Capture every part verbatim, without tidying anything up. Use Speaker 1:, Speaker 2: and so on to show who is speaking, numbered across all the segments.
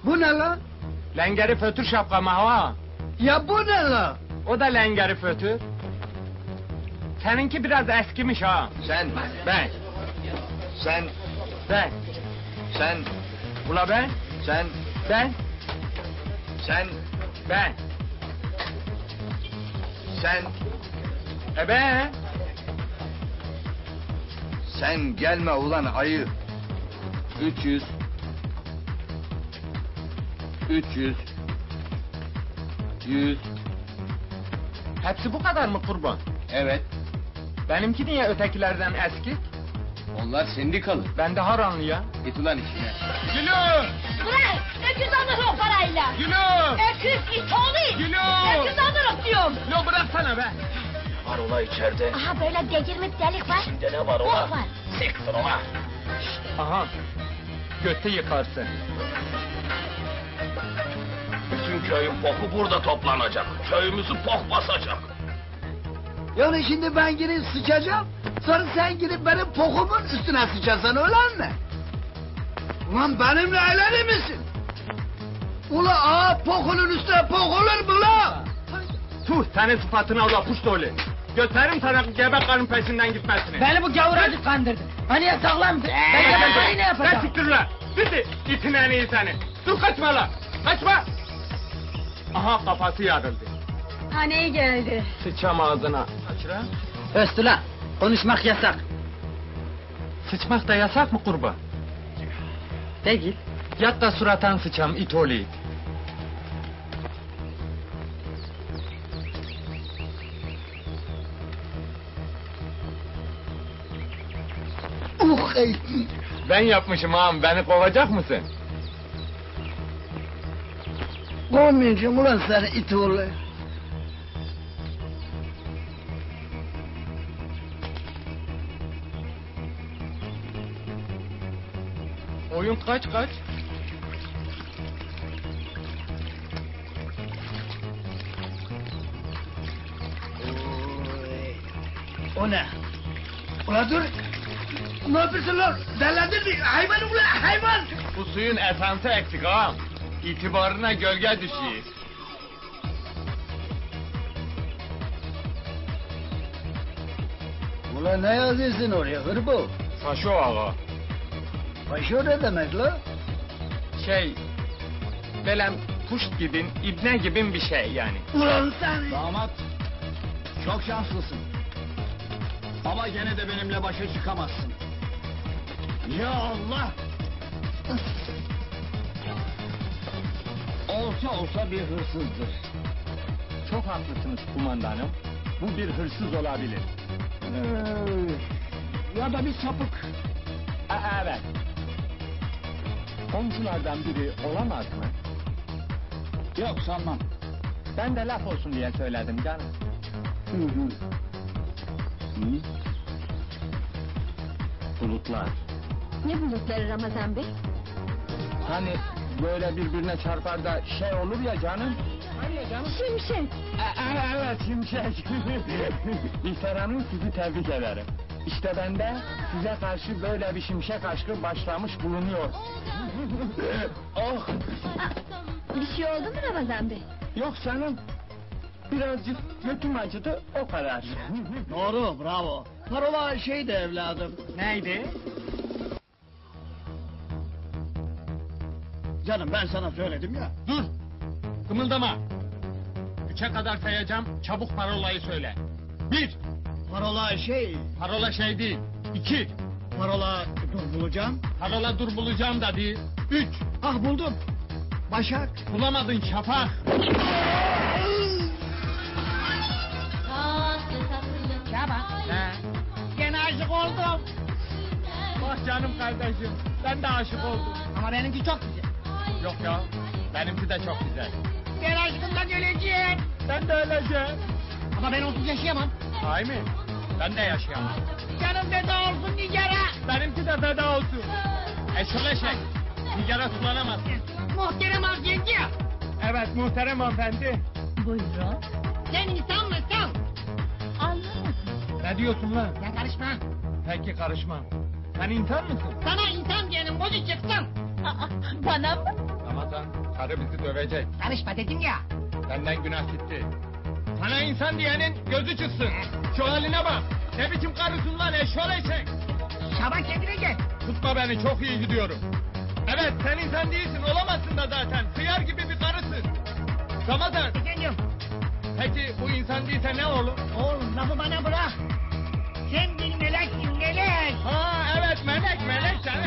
Speaker 1: Bu ne lan?
Speaker 2: Lengeri fötür şapkamı ha.
Speaker 1: Ya bu ne lan?
Speaker 2: O da lengeri fötür. Seninki biraz eskimiş ha.
Speaker 3: Sen,
Speaker 2: Ben,
Speaker 3: sen,
Speaker 2: ben.
Speaker 3: sen,
Speaker 2: Ula ben,
Speaker 3: sen,
Speaker 2: ben,
Speaker 3: sen,
Speaker 2: ben.
Speaker 3: sen,
Speaker 2: E ben.
Speaker 3: sen gelme ulan ayı. Üç yüz. Üç yüz. Yüz.
Speaker 2: Hepsi bu kadar mı kurban?
Speaker 3: Evet.
Speaker 2: Benimki niye ötekilerden eski?
Speaker 3: Onlar sendikalı.
Speaker 2: Ben de haranlı ya.
Speaker 3: Git ulan işine.
Speaker 2: Gülü!
Speaker 4: Ulan öküz alırım o parayla.
Speaker 2: Gülü!
Speaker 4: Öküz it oğlu.
Speaker 2: Gülü!
Speaker 4: Öküz alırım diyorum.
Speaker 2: Lo bıraksana be!
Speaker 3: Var ola içeride.
Speaker 4: Aha böyle delirmiş delik var.
Speaker 3: İçinde ne var
Speaker 4: Bok
Speaker 3: ola?
Speaker 4: var.
Speaker 3: Siktir ola.
Speaker 2: Aha! Götü yıkarsın.
Speaker 3: Bütün köyün poku burada toplanacak. Köyümüzü pok basacak.
Speaker 1: Yani şimdi ben girip sıçacağım. Sonra sen girip benim pokumun üstüne sıçasan öyle mi? Ulan benimle eğlenir misin? Ula ağa pokunun üstüne pok olur mu la?
Speaker 2: Tuh senin sıfatına ula puştoli. Gösteririm sana gebe karın peşinden gitmesini.
Speaker 5: Beni bu gavuracık kandırdı. Hani ya sağlam. Ben yapacağım ne
Speaker 2: Sen
Speaker 5: yapacağım?
Speaker 2: siktir ulan! Bitti! İtin en iyi seni! Dur kaçma la! Kaçma! Aha kafası yarıldı.
Speaker 4: Haneye geldi.
Speaker 2: Sıçam ağzına. Kaçıra.
Speaker 5: Östüla. Konuşmak yasak.
Speaker 2: Sıçmak da yasak mı kurban?
Speaker 5: Değil.
Speaker 2: Yat da suratan sıçam it oğlu it.
Speaker 1: Uh ey.
Speaker 2: Ben yapmışım ağam beni kovacak mısın?
Speaker 1: Kovmayacağım ulan seni it oğlu.
Speaker 2: Oyun kaç kaç?
Speaker 1: O ne? Ula dur. Ne yapıyorsun lan? Delendin mi? Hayvan ulan hayvan.
Speaker 2: Bu suyun esansı eksik ağam. İtibarına gölge düşüyor.
Speaker 1: Ula ne yazıyorsun oraya hırbo?
Speaker 2: Faşo ağa.
Speaker 1: Paşo ne demek la?
Speaker 2: Şey... Belem puşt gibin, ibne gibin bir şey yani.
Speaker 1: Ulan sen.
Speaker 6: Damat, çok şanslısın. Ama gene de benimle başa çıkamazsın. Ya Allah! Olsa olsa bir hırsızdır.
Speaker 2: Çok haklısınız kumandanım. Bu bir hırsız olabilir.
Speaker 6: Ee, ya da bir sapık.
Speaker 2: E, evet. Komşulardan biri olamaz mı?
Speaker 6: Yok sanmam.
Speaker 2: Ben de laf olsun diye söyledim canım.
Speaker 6: Hı hı. Hı?
Speaker 2: Bulutlar.
Speaker 4: Ne bulutları Ramazan Bey?
Speaker 2: Hani böyle birbirine çarpar da şey olur ya canım. Hani ya canım?
Speaker 4: Şimşek.
Speaker 2: E, e, evet şimşek. İhtar Hanım sizi tebrik ederim. İşte ben de size karşı böyle bir şimşek aşkı başlamış bulunuyor. Oh!
Speaker 4: Bir şey oldu mu Ramazan Bey?
Speaker 2: Yok canım. Birazcık götüm acıdı o kadar.
Speaker 1: Doğru bravo. Parola şeydi evladım.
Speaker 2: Neydi?
Speaker 1: Canım ben sana söyledim ya.
Speaker 2: Dur! Kımıldama! Üçe kadar sayacağım, çabuk parolayı söyle. Bir!
Speaker 1: Parola şey.
Speaker 2: Parola şey değil. İki!
Speaker 1: Parola dur bulacağım.
Speaker 2: Parola dur bulacağım da değil. Üç!
Speaker 1: Ah buldum. Başak.
Speaker 2: Bulamadın şafak!
Speaker 5: Şaban.
Speaker 2: Ne?
Speaker 5: Gene aşık oldum.
Speaker 2: Bak canım kardeşim, ben de aşık oldum.
Speaker 5: Ama benimki çok güzel.
Speaker 2: Yok ya, benimki de çok güzel.
Speaker 5: Ben aşkımdan öleceğim.
Speaker 2: Ben de öleceğim.
Speaker 5: Ama ben onsuz yaşayamam.
Speaker 2: Sahi mi? Ben de yaşayamam.
Speaker 5: Canım feda olsun Nigar'a.
Speaker 2: Benimki de feda olsun. Eşol eşek, sigara sulanamaz.
Speaker 5: Muhterem yenge.
Speaker 2: Evet muhterem hanımefendi.
Speaker 4: Buyurun.
Speaker 5: Sen insan mısın?
Speaker 4: Anlamadım.
Speaker 2: Ne diyorsun lan?
Speaker 5: Sen karışma.
Speaker 2: Peki karışmam. Sen insan mısın?
Speaker 5: Sana insan diyenin bozu çıksın.
Speaker 4: Aa, bana mı?
Speaker 2: Ramazan Ramazan, karı bizi dövecek.
Speaker 5: Karışma dedim ya.
Speaker 2: Benden günah gitti. Sana insan diyenin gözü çıksın. Şu haline bak. Ne biçim karısın lan eşşol eşek.
Speaker 5: Şaban kendine gel.
Speaker 2: Tutma beni, çok iyi gidiyorum. Evet, sen insan değilsin, olamazsın da zaten. Hıyar gibi bir karısın. Ramazan,
Speaker 5: Efendim.
Speaker 2: peki bu insan değilse ne olur?
Speaker 5: Oğlum lafı bana bırak. Sen bir meleksin melek.
Speaker 2: Ha evet, melek, melek canım.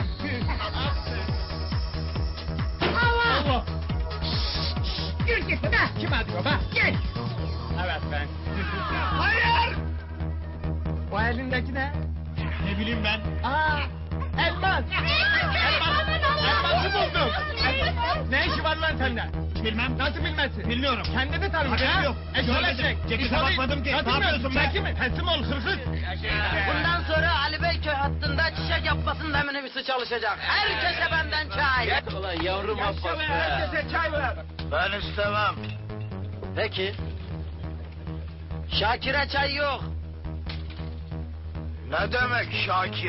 Speaker 5: Allah.
Speaker 2: Allah!
Speaker 5: Yürü git be.
Speaker 2: Kim arıyor be?
Speaker 5: Gel.
Speaker 2: Evet ben.
Speaker 5: Hayır.
Speaker 2: O elindeki ne?
Speaker 6: Ne bileyim ben.
Speaker 2: Aa, elmas! Elmas! Elması buldum! Elmas. Ne işi var lan sende?
Speaker 6: Bilmem.
Speaker 2: Nasıl bilmezsin?
Speaker 6: Bilmiyorum.
Speaker 2: Kendini tanımış
Speaker 6: Haberim
Speaker 2: ha?
Speaker 6: yok.
Speaker 2: Eşol
Speaker 6: Görmedim.
Speaker 2: eşek.
Speaker 6: Cekete
Speaker 2: İnsanı-
Speaker 6: bakmadım ki.
Speaker 2: Nasıl
Speaker 6: Ne yapıyorsun
Speaker 2: bilmiyorsun?
Speaker 6: be?
Speaker 2: Çekil mi? Teslim ol hırsız.
Speaker 7: Bundan sonra Ali Beyköy hattında çiçek yapmasının eminimisi çalışacak. Herkese benden çay.
Speaker 3: Ulan yavrum Abbas be.
Speaker 2: Herkese çay ver.
Speaker 3: Ben istemem.
Speaker 7: Peki. Şakir'e çay yok.
Speaker 3: Ne demek Şakir?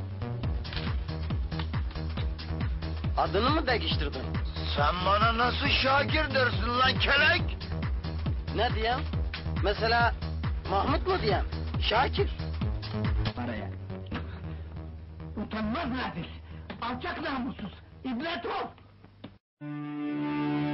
Speaker 7: Adını mı değiştirdin?
Speaker 3: Sen bana nasıl Şakir dersin lan kelek?
Speaker 7: Ne diyeyim? Mesela Mahmut mu diyeyim? Şakir.
Speaker 5: Paraya. Utanmaz nadir. Alçak namussuz. İbret ol.